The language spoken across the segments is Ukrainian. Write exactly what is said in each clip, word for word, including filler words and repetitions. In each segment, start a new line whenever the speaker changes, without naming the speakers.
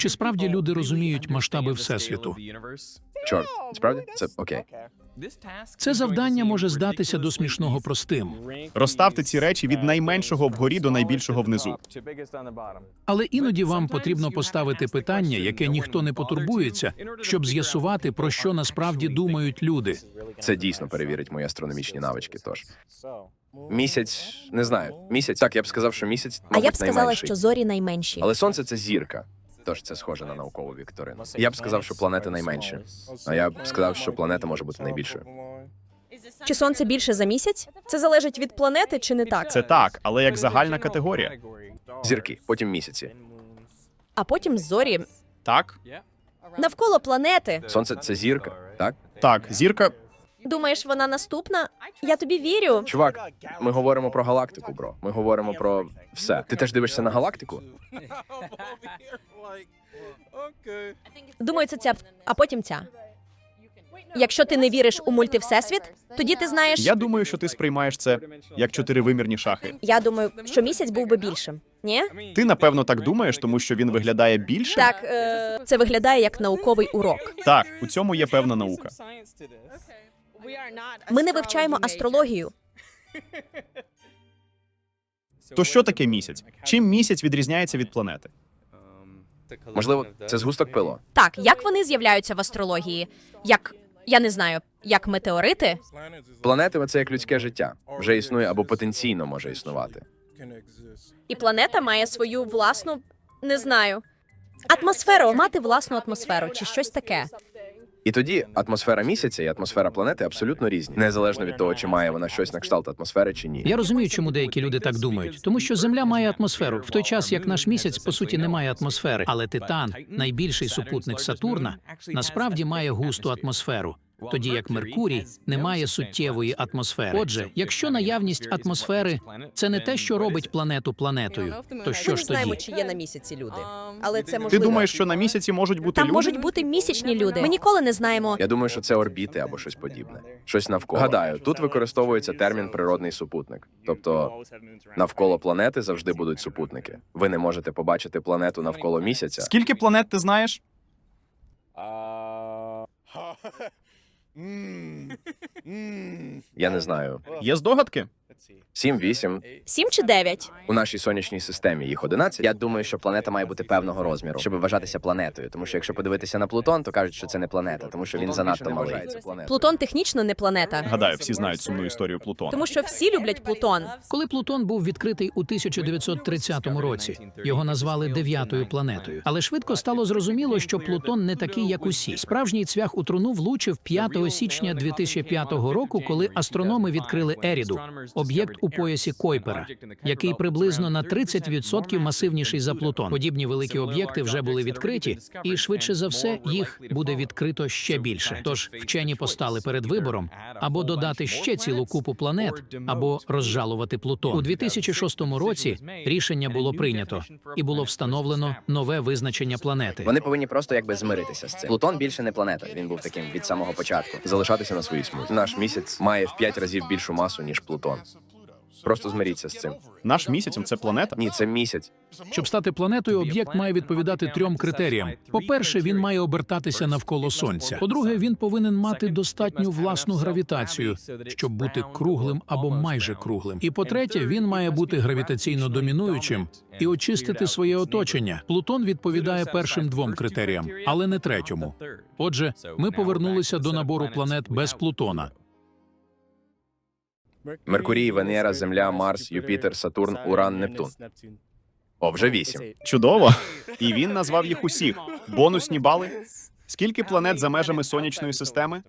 чи справді люди розуміють масштаби Всесвіту?
Чорт, справді? Це окей.
Це завдання може здатися до смішного простим.
Розставте ці речі від найменшого вгорі до найбільшого внизу.
Але іноді вам потрібно поставити питання, яке ніхто не потурбується, щоб з'ясувати, про що насправді думають люди.
Це дійсно перевірить мої астрономічні навички, тож. Місяць, не знаю, місяць, так, я б сказав, що місяць,
А
мабуть,
я б сказала,
найменший.
що зорі найменші.
Але Сонце – це зірка, тож це схоже на наукову вікторину. Я б сказав, що планети найменші, а я б сказав, що планета може бути найбільшою.
Чи сонце більше за місяць? Це залежить від планети чи не так?
Це так, але як загальна категорія.
Зірки, потім місяці.
А потім зорі.
Так?
Навколо планети.
Сонце – це зірка, так?
Так, зірка.
Думаєш, вона наступна? Я тобі вірю.
Чувак, ми говоримо про галактику, бро. Ми говоримо про все. Ти теж дивишся на галактику?
Думаю, це ця, а потім ця. Якщо ти не віриш у мультивсесвіт, тоді ти знаєш...
Я думаю, що ти сприймаєш це як чотиривимірні шахи.
Я думаю, що місяць був би більшим. Ні?
Ти, напевно, так думаєш, тому що він виглядає більше?
Так, е... це виглядає як науковий урок.
Так, у цьому є певна наука.
Ми не вивчаємо астрологію.
То що таке місяць? Чим місяць відрізняється від планети?
Можливо, це згусток пилу?
Так, як вони з'являються в астрології? Як, я не знаю, як метеорити?
Планети – це як людське життя. Вже існує або потенційно може існувати.
І планета має свою власну, не знаю, атмосферу, мати власну атмосферу чи щось таке.
І тоді атмосфера місяця і атмосфера планети абсолютно різні, незалежно від того, чи має вона щось на кшталт атмосфери чи ні.
Я розумію, чому деякі люди так думають. Тому що Земля має атмосферу, в той час, як наш місяць, по суті, не має атмосфери. Але Титан, найбільший супутник Сатурна, насправді має густу атмосферу. Тоді як Меркурій не має суттєвої атмосфери. Отже, якщо наявність атмосфери – це не те, що робить планету планетою, то що
Ми не
ж
знаємо,
тоді?
чи є на місяці люди. Але це
Ти
можливо.
думаєш, що на місяці можуть бути
Там
люди?
можуть бути місячні люди. Ми ніколи не знаємо.
Я думаю, що це орбіти або щось подібне. Щось навколо. Гадаю, тут використовується термін «природний супутник». Тобто навколо планети завжди будуть супутники. Ви не можете побачити планету навколо місяця.
Скільки планет ти знаєш?
Я не знаю.
Є здогадки?
Сім, вісім.
Сім чи дев'ять?
У нашій сонячній системі їх одинадцять. Я думаю, що планета має бути певного розміру, щоб вважатися планетою. Тому що якщо подивитися на Плутон, то кажуть, що це не планета, тому що він занадто малий.
Плутон технічно не планета.
Гадаю, всі знають сумну історію Плутона.
Тому що всі люблять Плутон.
Коли Плутон був відкритий у тисяча дев'ятсот тридцятому році, його назвали дев'ятою планетою. Але швидко стало зрозуміло, що Плутон не такий, як усі. Справжній цвях у труну влучив п'ятого січня дві тисячі п'ятого року, коли астрономи відкрили Еріду – об'єкт у поясі Койпера, який приблизно на тридцять відсотків масивніший за Плутон. Подібні великі об'єкти вже були відкриті, і швидше за все їх буде відкрито ще більше. Тож вчені постали перед вибором або додати ще цілу купу планет, або розжалувати Плутон. У дві тисячі шостому році рішення було прийнято, і було встановлено нове визначення планети.
Вони повинні просто якби змиритися з цим. Плутон більше не планета, він був таким від самого початку. Залишатися на своїй смузі. Наш місяць має в п'ять разів більшу масу, ніж Плутон. Просто змиріться з цим.
Наш місяць – це планета?
Ні, це місяць.
Щоб стати планетою, об'єкт має відповідати трьом критеріям. По-перше, він має обертатися навколо Сонця. По-друге, він повинен мати достатню власну гравітацію, щоб бути круглим або майже круглим. І по-третє, він має бути гравітаційно домінуючим і очистити своє оточення. Плутон відповідає першим двом критеріям, але не третьому. Отже, ми повернулися до набору планет без Плутона.
Меркурій, Венера, Земля, Марс, Юпітер, Сатурн, Уран, Нептун. О, вже вісім.
Чудово. І він назвав їх усіх. Бонусні бали? Скільки планет за межами сонячної системи?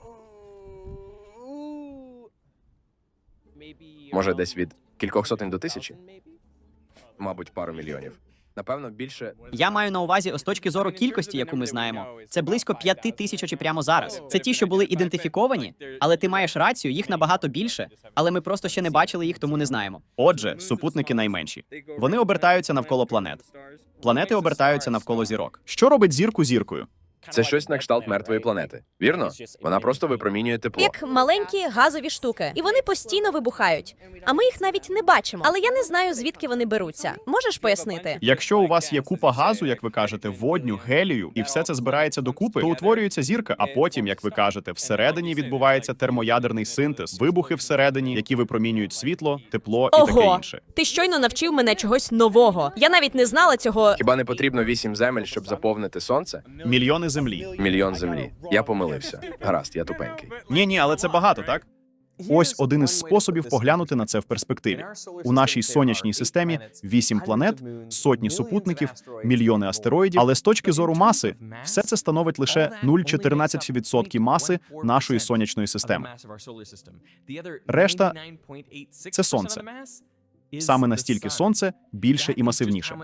Може, десь від кількох сотень до тисячі? Мабуть, пару мільйонів. Напевно, більше...
Я маю на увазі з точки зору кількості, яку ми знаємо. Це близько п'яти тисяч очі прямо зараз. Це ті, що були ідентифіковані, але ти маєш рацію, їх набагато більше, але ми просто ще не бачили їх, тому не знаємо.
Отже, супутники найменші. Вони обертаються навколо планет. Планети обертаються навколо зірок. Що робить зірку зіркою?
Це щось на кшталт мертвої планети. Вірно? Вона просто випромінює тепло.
Як маленькі газові штуки, і вони постійно вибухають. А ми їх навіть не бачимо. Але я не знаю, звідки вони беруться. Можеш пояснити?
Якщо у вас є купа газу, як ви кажете, водню, гелію, і все це збирається докупи, то утворюється зірка, а потім, як ви кажете, всередині відбувається термоядерний синтез, вибухи всередині, які випромінюють світло, тепло і таке
Ого,
інше.
ти щойно навчив мене чогось нового. Я навіть не знала цього.
Хіба не потрібно вісім земель, щоб заповнити сонце?
Мільйони землі.
Мільйон землі. Я помилився. Гаразд, я тупенький.
Ні, ні, але це багато, так? Ось один із способів поглянути на це в перспективі. У нашій сонячній системі вісім планет, сотні супутників, мільйони астероїдів, але з точки зору маси, все це становить лише нуль цілих чотирнадцять сотих відсотка маси нашої сонячної системи. Решта – це Сонце. Саме настільки Сонце більше і масивніше.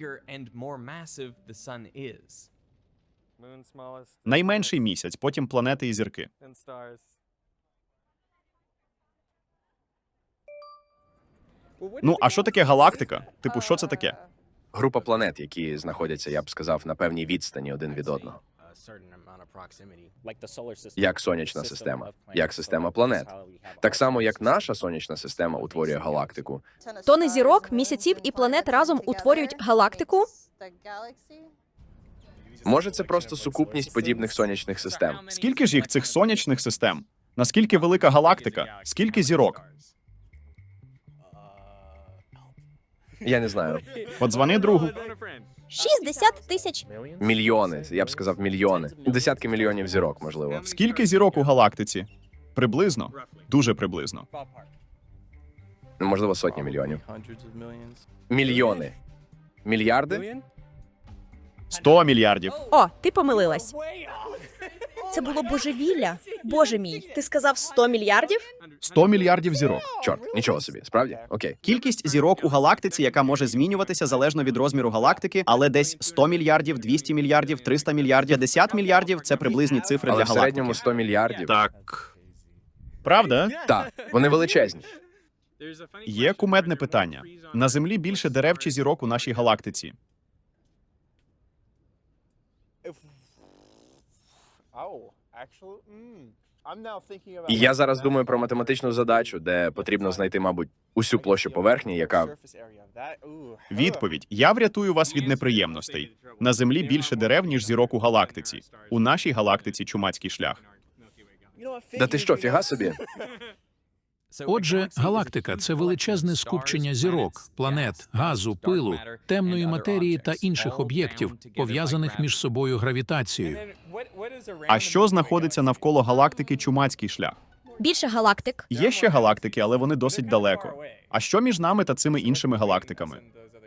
Найменший місяць, потім планети і зірки. Ну, а що таке галактика? Типу, що це таке?
Група планет, які знаходяться, я б сказав, на певній відстані один від одного. Як сонячна система, як система планет. Так само, як наша сонячна система утворює галактику.
Тони зірок, місяців і планет разом утворюють галактику.
Може, це просто сукупність подібних сонячних систем.
Скільки ж їх цих сонячних систем? Наскільки велика галактика? Скільки зірок?
Я не знаю.
Подзвони другу.
шістдесят тисяч.
Мільйони, я б сказав, мільйони. Десятки мільйонів зірок, можливо.
Скільки зірок у галактиці? Приблизно. Дуже приблизно.
Можливо, сотні мільйонів. Мільйони. Мільярди?
Сто мільярдів.
О, ти помилилась. Це було божевілля. Боже мій, ти сказав сто мільярдів?
Сто мільярдів зірок.
Чорт, нічого собі. Справді? Окей.
Кількість зірок у галактиці, яка може змінюватися залежно від розміру галактики, але десь сто мільярдів, двісті мільярдів, триста мільярдів, п'ятдесят мільярдів – це приблизні цифри
Але
для
в середньому
галактики.
сто мільярдів.
Так. Правда?
Так, вони величезні.
Є кумедне питання. На Землі більше дерев чи зірок у нашій галактиці?
І я зараз думаю про математичну задачу, де потрібно знайти, мабуть, усю площу поверхні, яка...
Відповідь. Я врятую вас від неприємностей. На Землі більше дерев, ніж зірок у галактиці. У нашій галактиці чумацький шлях.
Да ти що, фіга собі?
Отже, галактика – це величезне скупчення зірок, планет, газу, пилу, темної матерії та інших об'єктів, пов'язаних між собою гравітацією.
А що знаходиться навколо галактики чумацький шлях?
Більше галактик.
Є ще галактики, але вони досить далеко. А що між нами та цими іншими галактиками?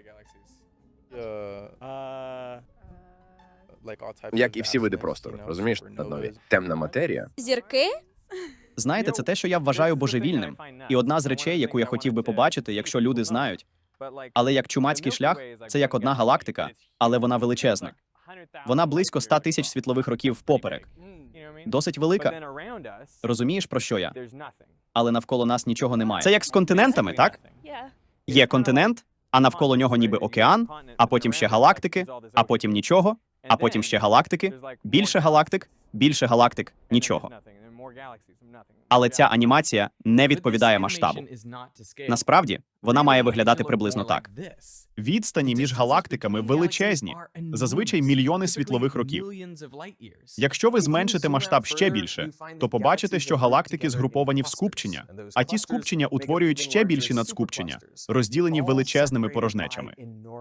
Як і всі види простору, розумієш, Наднові? Темна матерія.
Зірки?
Знаєте, це те, що я вважаю божевільним. І одна з речей, яку я хотів би побачити, якщо люди знають. Але як чумацький шлях, це як одна галактика, але вона величезна. Вона близько ста тисяч світлових років впоперек. Досить велика. Розумієш, про що я? Але навколо нас нічого немає. Це як з континентами, так? Є континент, а навколо нього ніби океан, а потім ще галактики, а потім нічого, а потім ще галактики, більше галактик, більше галактик, нічого. Але ця анімація не відповідає масштабу. Насправді, вона має виглядати приблизно так.
Відстані між галактиками величезні, зазвичай мільйони світлових років. Якщо ви зменшите масштаб ще більше, то побачите, що галактики згруповані в скупчення, а ті скупчення утворюють ще більші надскупчення, розділені величезними порожнечами.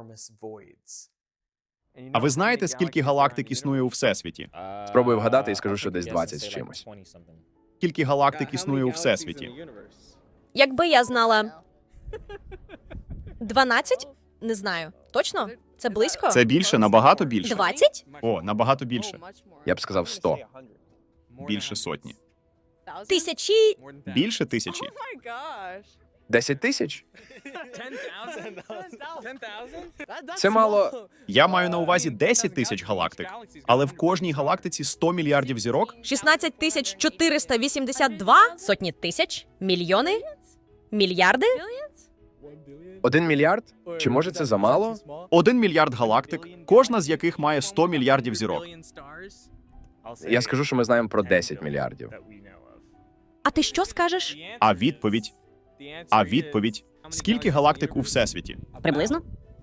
А ви знаєте, скільки галактик існує у Всесвіті?
Спробую вгадати і скажу, що десь двадцять з чимось.
Скільки галактик існує у Всесвіті?
Якби я знала... дванадцять? Не знаю. Точно? Це близько?
Це більше, набагато більше.
двадцять?
О, набагато більше.
Я б сказав сто.
Більше сотні.
Тисячі?
Більше тисячі.
Десять тисяч? Це мало...
Я маю на увазі десять тисяч галактик, але в кожній галактиці сто мільярдів зірок.
шістнадцять тисяч чотириста вісімдесят два? Сотні тисяч? Мільйони? Мільярди?
Один мільярд? Чи може це замало?
Один мільярд галактик, кожна з яких має сто мільярдів зірок.
Я скажу, що ми знаємо про десять мільярдів.
А ти що скажеш?
А відповідь? А відповідь? Скільки галактик у Всесвіті?
Приблизно?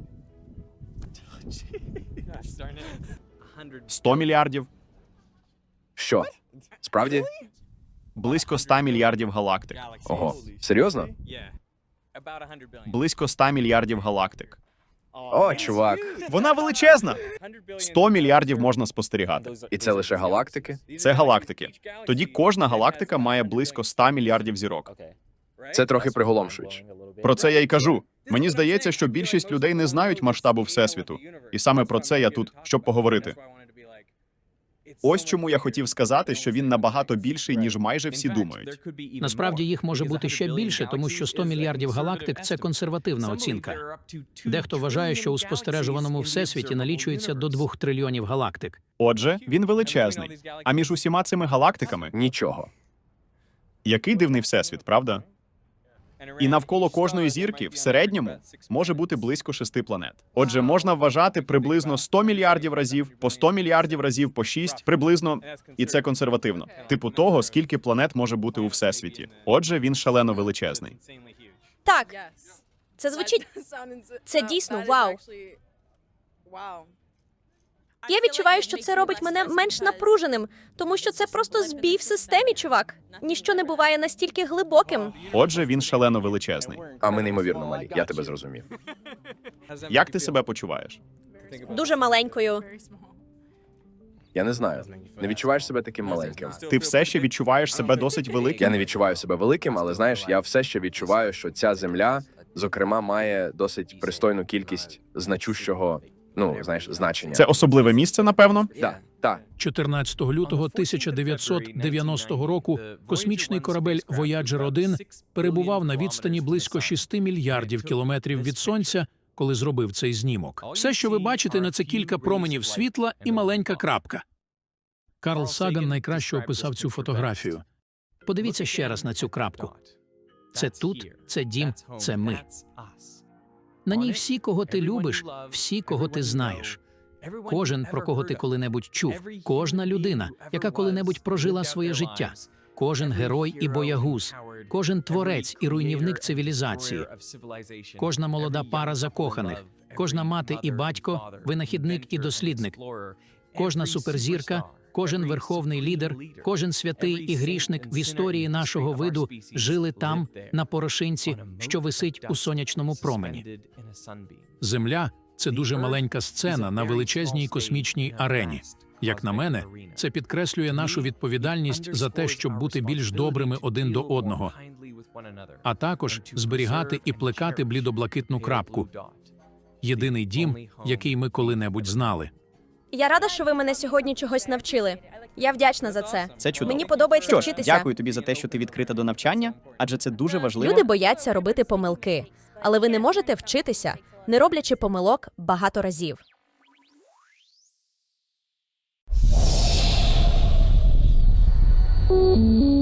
сто мільярдів?
Що? Справді?
Близько ста мільярдів галактик.
Ого. Серйозно?
Близько ста мільярдів галактик.
О, чувак.
Вона величезна! сто мільярдів можна спостерігати.
І це лише галактики?
Це галактики. Тоді кожна галактика має близько ста мільярдів зірок.
Це трохи приголомшуюче.
Про це я й кажу. Мені здається, що більшість людей не знають масштабу Всесвіту. І саме про це я тут, щоб поговорити. Ось чому я хотів сказати, що він набагато більший, ніж майже всі думають.
Насправді їх може бути ще більше, тому що сто мільярдів галактик – це консервативна оцінка. Дехто вважає, що у спостережуваному всесвіті налічується до двох трильйонів галактик.
Отже, він величезний. А між усіма цими галактиками
Нічого.
який дивний всесвіт, правда? І навколо кожної зірки в середньому може бути близько шести планет. Отже, можна вважати приблизно сто мільярдів разів, по сто мільярдів разів, по шість, приблизно, і це консервативно. Типу того, скільки планет може бути у Всесвіті. Отже, він шалено величезний.
Так. Це звучить. Це дійсно вау. Я відчуваю, що це робить мене менш напруженим, тому що це просто збій в системі, чувак. Ніщо не буває настільки глибоким.
Отже, він шалено величезний.
А ми неймовірно малі. Я тебе зрозумів.
Як ти себе почуваєш?
Дуже маленькою.
Я не знаю. Не відчуваєш себе таким маленьким.
Ти все ще відчуваєш себе досить
Я
великим?
не відчуваю себе великим, але знаєш, я все ще відчуваю, що ця земля, зокрема, має досить пристойну кількість значущого, ну, знаєш, значення.
Це особливе місце, напевно?
Так, так.
чотирнадцятого лютого тисяча дев'ятсот дев'яностого року космічний корабель Voyager один перебував на відстані близько шести мільярдів кілометрів від Сонця, коли зробив цей знімок. Все, що ви бачите, на це кілька променів світла і маленька крапка. Карл Саган найкраще описав цю фотографію. Подивіться ще раз на цю крапку. Це тут, це дім, це ми. На ній всі, кого ти любиш, всі, кого ти знаєш. Кожен, про кого ти коли-небудь чув, кожна людина, яка коли-небудь прожила своє життя, кожен герой і боягуз, кожен творець і руйнівник цивілізації, кожна молода пара закоханих, кожна мати і батько, винахідник і дослідник, кожна суперзірка, кожен верховний лідер, кожен святий і грішник в історії нашого виду жили там, на порошинці, що висить у сонячному промені. Земля – це дуже маленька сцена на величезній космічній арені. Як на мене, це підкреслює нашу відповідальність за те, щоб бути більш добрими один до одного, а також зберігати і плекати блідоблакитну крапку – єдиний дім, який ми коли-небудь знали.
Я рада, що ви мене сьогодні чогось навчили. Я вдячна за це.
Це чудово.
Мені подобається
Що ж,
вчитися.
дякую тобі за те, що ти відкрита до навчання, адже це дуже важливо.
Люди бояться робити помилки, але ви не можете вчитися, не роблячи помилок багато разів.
Thank you.